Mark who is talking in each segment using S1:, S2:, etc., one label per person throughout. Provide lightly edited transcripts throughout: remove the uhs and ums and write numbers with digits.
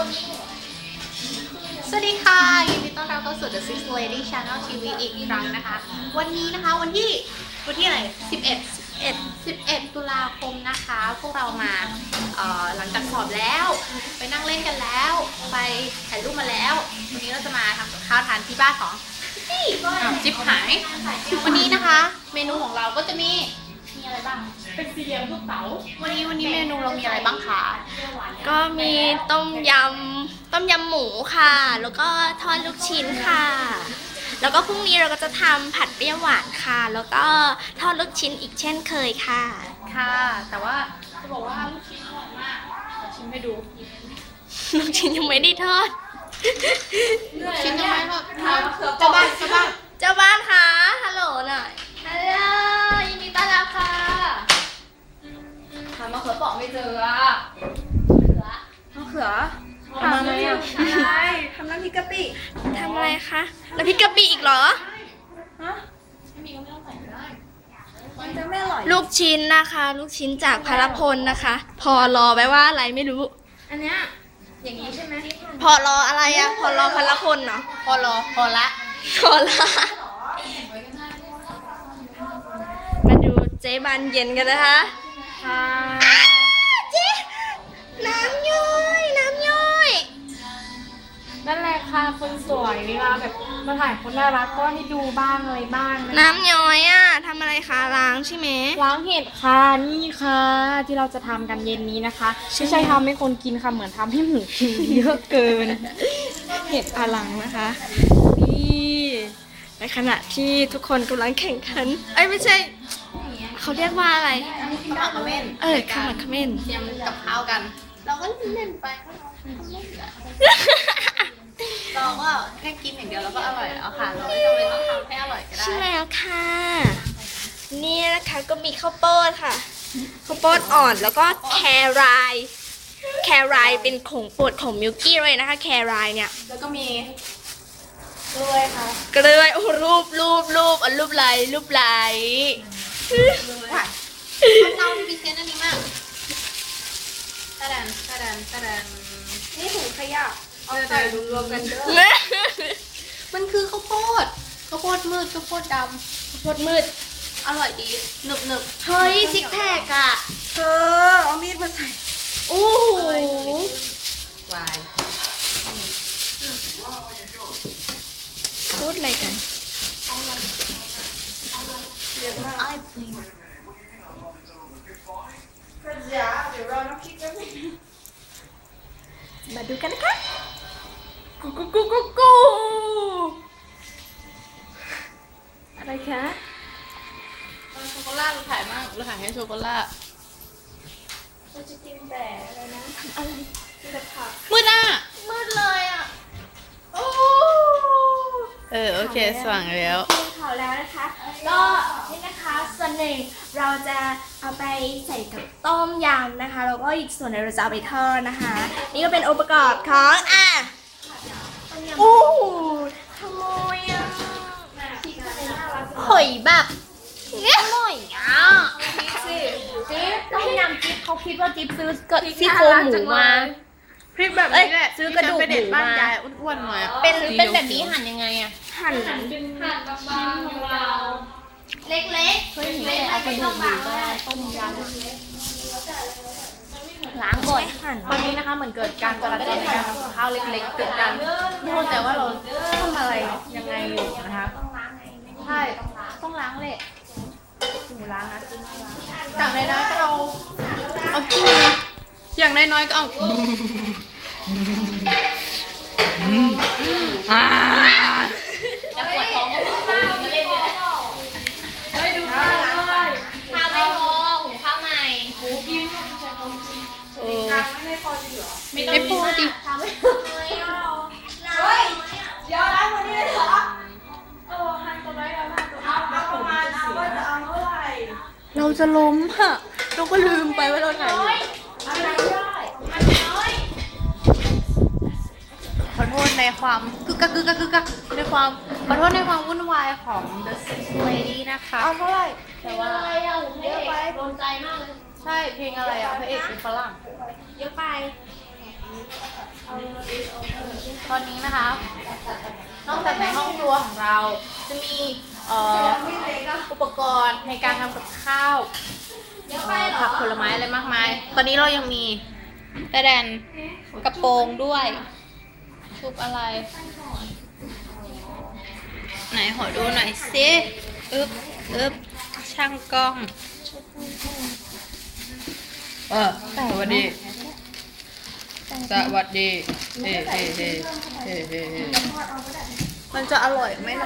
S1: สวัสดีค่ะยินดีต้อนรับเข้าสู่ The Six Lady Channel TV อีกครั้งนะคะ วันนี้นะคะวันที่อะไร11 ตุลาคมนะคะ พวกเรามาหลังจากสอบแล้วไปนั่งเล่นกันแล้วไปถ่ายรูปมาแล้ววันนี้เราจะมาทำกับข้าวทานที่บ้านของพี่จิ๊บหายวันนี้นะคะ เมนูของเราก็จะมีอะไรบ้างเป็นสี่เหลี่ยมลูกเต๋าวันนี้เมนูเรามีอะไรบ้างคะ
S2: ก็มีต้มยำหมูค่ะ แล้วก็ทอดลูกชิ้นค่ะ แล้วก็พรุ่งนี้เราก็จะทำผัดเปรี้ยวหวานค่ะ แล้วก็ทอดลูกชิ้นอีกเช่นเคยค่ะ
S1: ค่ะ แต่ว่าจะบอกว่าลูกชิ้นอร่อยมากชิมให้ดู
S2: ลูกชิ้นยังไม่ได้ทอด
S1: ชิ้นยังไม่ทอดเจ้าบ้าน
S2: เจ้าบ้านคะฮัลโหลหน่อยฮัลโหลยินดีต้อนรับค่ะ
S1: หามะเขือเปราะไม่เจออะ
S2: มะเขือ
S1: ทำอะไรอ่ะ
S3: ทำน้ำพริกกะปิ
S2: ทำอะไรคะน้ำพริกกะปิอีกเหรอ
S3: ฮะ
S1: ไม่มีก็ไม่ต้องใส่ก็ได้
S3: มันจะไม่อร่อย
S2: ลูกชิ้นนะคะ ลูกชิ้นจากพารพลนะคะ พอรอแปลว่าอะไรไม่รู้
S3: อันเนี้ยอย่างนี้ใช่ไหม
S2: พอรออะไรอะพอรอพารพลเนาะ
S1: พอละ
S2: พอละมาดูเจ๊บานเย็นกันนะคะ
S3: ค่ะ
S2: เจ๊น้ำย่อยน้ำย่อย
S3: นั่นแหละค่ะคนสวยเวลาแบบมาถ่ายคนน่ารักก็ให้ดูบ้างอะไรบ้างนะ
S2: น้ำย้อยอะทำอะไรคะล้างใช่ไหม
S3: ล้างเห็ดค่ะนี่ค่ะ ที่เราจะทำกันเย็นนี้นะคะไม่ใช่ทำให้คนกินค่ะเหมือนทำให้หมูกินเยอะเกิน เห็ดอลังนะคะนี่ในขณะที่ทุกคนกำลังแข่งขันเอ้ยไม่ใช่เขาเรียกว่าอะไร
S1: ขมักเขม้น
S2: ขมักเขม้น
S1: เตรียมกับข้าวกัน เราก็เล่นไปเราก็แค่กินอย่างเดียวแล้วก็อร่อยแล้วค่ะ เราไม่จำเป็นต้องทำให้อร่อยก็ได้
S2: ใช่แล้วค่ะ นี่นะคะก็มีข้าวโพดค่ะ ข้าวโพดอ่อนแล้วก็แครายเป็นของโปรดของมิลกี้เลยนะคะแครายเนี่ย
S1: แล้วก็มี
S3: ด้วยค่ะ
S2: ก็เลยโอ้รูปเอารูปไหล
S1: ว่าเราที่พิเศษอันนี้มากตะดัน
S3: นี่ถุงขยะเอาใส่รวมๆกันเด้อ
S1: มันคือข้าวโพดมืดข้าวโพดด
S2: หมดมืด
S1: ำอร่อยดีหนึบ
S2: เฮ้ยซิกแพคอะ
S3: เธอเอามีดมาใส่
S2: โอ้โห
S1: วาย
S2: พูดอะไรกัน
S3: เดี๋ยวเราน้ำพริกกัน
S2: มาดูกันนะคะ
S3: กูอะไรคะ
S1: โชโกล่าเราถ่ายมากเราถ่ายให้โชโกล่า
S3: เราจะกินแต่อะไรนะอะไรกินแต่ผัก
S1: มืดอ่ะ
S2: มืดเลยอะ
S1: โอเคสว่างแล้ว
S2: กินข่าวแล้วนะคะ ก็นี่นะคะส่วนหนึ่งเราจะเอาไปใส่กับต้มยำนะคะ แล้วก็อีกส่วนหนึงเราจะเอาไปทอดนะคะ นี่ก็เป็นองค์ประกอบของโอ้โหขโมยอ่ะ
S1: หอยแบบอร่อยอ่ะ
S2: จิ๊บต้มยำจิ๊บเขาคิดว่าจิ๊บซื้อซี่โครงหมูมา
S1: พริกแบบนี้แหละ
S2: ซื้อกระดูกหมู
S1: ไปเด็ดบ้าน
S2: มา
S1: ยายอ้วนๆหน่อยอะ
S2: เป็นแบบนี้หั่นยังไงอ่ะ หั่นเล็กๆเอากระดูกหมูก็ได้ต้มยำล้างก่อนหั่น
S1: ตอนนี้นะคะเหมือนเกิดการจราจรในการทำกับข้าวเล็กๆเกิดการไม่เข้าใจว่าเราทำอะไรยังไงอยู่นะคะใช่ต้องล้างเลยหมูล้างนะอย่างน้อยๆก็เอาขี้อย่างน้อยๆก็เอาจะปวดท้องก็พอมาเล่นเลยเฮ้ยดูข้าวเลย
S2: ข้าวไม่พอหุงข้าวใหม่
S1: ไม่พอดิ
S3: เดี๋ยวล้างวันนี้เลยเหรอหั่นตัวไหนเอาประมาณนะว่าจะเอาเท่าไหร่
S1: เราจะล้มอะเราก็ลืมไปว่าเราถ่ายอยู่
S3: อะไรได้
S1: ขอโทษในความกึกกักในความขอโทษในความวุ่นวายของ The Six Lady นะคะ
S3: เอาเท่าไหร่
S1: แต่ว่า
S2: เยอะไปโดนใจมากเลย
S1: ใช่เพลงอะไรอ่ะพระเอกเป็นฝรั่ง
S2: เยอะไป
S3: เอา
S1: ตอนนี้นะคะ นอกจากในห้องครัวของเราจะมีอุปกรณ์ในการทำกับข้าวผักผลไม้อะไรมากมาย ตอนนี้เรายังมีกระแดนกระโปรงด้วยชุบอะไร ไหนขอดูหน่อยสิอึบช่างกล้องสวัสดีมันจะอร่อยไหมนะ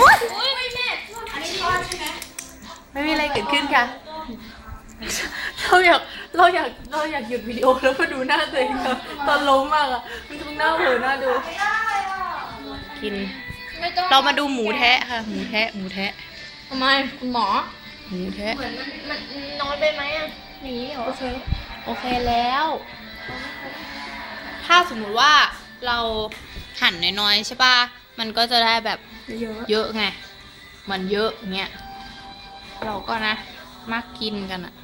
S1: ไม่มีอะไรเกิดขึ้นค่ะ เราอยากหยุดวิดีโอแล้วมาดูหน้าตัวเองตอนล้มมากอ่ะมันทั้งหน้าเผลอหน้าดูกินเรามาดูหมูแทะค่ะหมูแทะ
S3: ทำไมคุณหมอ
S1: หมูแทะ
S2: มันน้อยไปไหมอ่ะนี้เหรอ
S1: โอเคแล้ว ถ้าสมมุติว่าเราหั่นน้อยๆใช่ป่ะมันก็จะได้แบบเยอะไงมันเยอะเงี้ยเราก็นะมักกินกันอ่ะ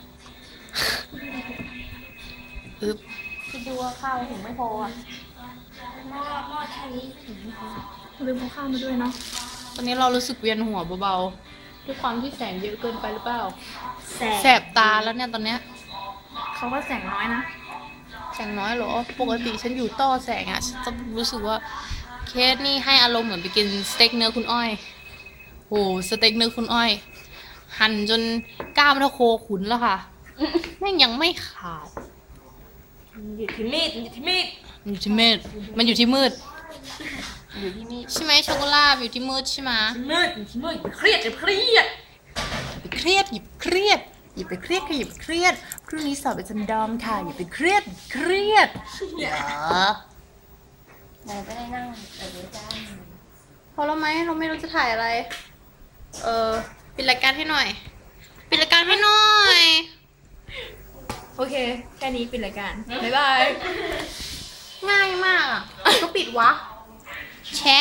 S2: คิดดูว่าข้าวถึงไม่พออ่ะหม้อแค่นี้ถึงไม่พอ
S3: ลืมเอาข้าวมาด้วยเนาะ
S1: ตอนนี้เรารู้สึกเวียนหัวเบาๆด้วยความที่แสงเยอะเกินไปหรือเปล่าแสบตาแล้วเนี่ยตอนเนี้ย
S3: เขาก็แสงน้อยนะ
S1: แสงน้อยเหรอปกติฉันอยู่ต้อแสงอ่ะฉันจะรู้สึกว่าเคสนี่ให้อารมณ์เหมือนไปกินสเต็กเนื้อคุณอ้อยโอ้สเต็กเนื้อคุณอ้อยหั่นจนกล้ามเท่าโคขุนแล้วค่ะแม่งยังไม่ขาด
S2: อยู่ที่มีดอยู่ที่มีด
S1: อยู่ที่มืดมันอยู่ที่มืด
S2: อยู่ที่มีด
S1: ใช่ไหมช็อกโกแลตอยู่ที่มืดใช่ไหม
S2: มืดอยู่ที่มืดเครียดจะเครียด
S1: อย่าไปเครียดอย่าไปเครียดอย่าไปเครียดค่ะอย่าไปเครียดพรุ่งนี้สอบเป็นจันดอมค่ะอย่าไปเครียดอย่า
S2: เราไม่ได้นั่งแต่เดี๋ยวจ้า
S1: พอแล้วไหมเราไม่รู้จะถ่ายอะไรปิดรายการให้หน่อยปิดรายการให้หน่อย
S3: โอเค แค่นี้ปิดรายการ บ๊ายบาย
S1: ง่ายมากอ่ะก็ปิดวะแชะ